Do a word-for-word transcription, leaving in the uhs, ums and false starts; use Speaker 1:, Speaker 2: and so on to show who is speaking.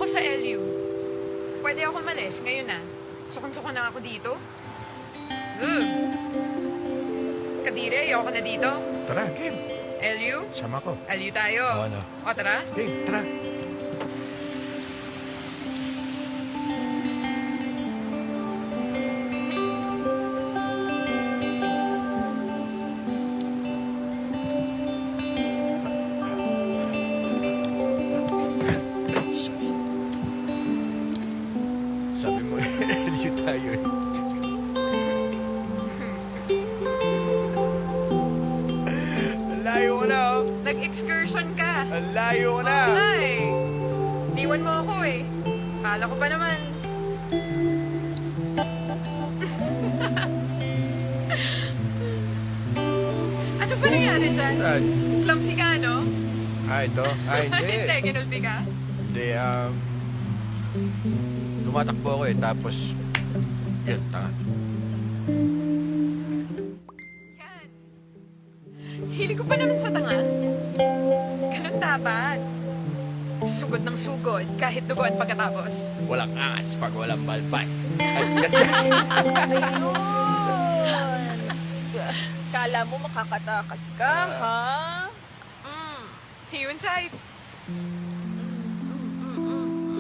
Speaker 1: ako sa L U. Pwede ako malis ngayon na. Sukon-sukon na ako dito. Ugh. Kadire, ayoko na dito.
Speaker 2: Tara, Kim.
Speaker 1: L U?
Speaker 2: Sama ko.
Speaker 1: L U tayo.
Speaker 2: Oo, ano?
Speaker 1: O, tara.
Speaker 2: Kim, tara. Sabi mo, L U tayo eh. Ang layo ko na, oh.
Speaker 1: Nag-excursion ka.
Speaker 2: Ang layo ko na.
Speaker 1: Ay, diwan mo ako eh. Kala ko pa naman. Ano ba nangyari dyan?
Speaker 2: Saan?
Speaker 1: Clumsy ka, no?
Speaker 2: Ah, ito? Ah, hindi.
Speaker 1: Hindi, ginulpi ka.
Speaker 2: Hindi, um... Lumatakbo ako eh, tapos... Yun, tanga.
Speaker 1: Yan. Hilig ko pa naman sa tanga. Ganun dapat. Sugod ng sugod, kahit duguan pagkatapos.
Speaker 2: Walang angas pag walang balbas. Ay,
Speaker 3: Ayun! Kala mo makakatakas ka, ha?
Speaker 1: Mm, see you inside.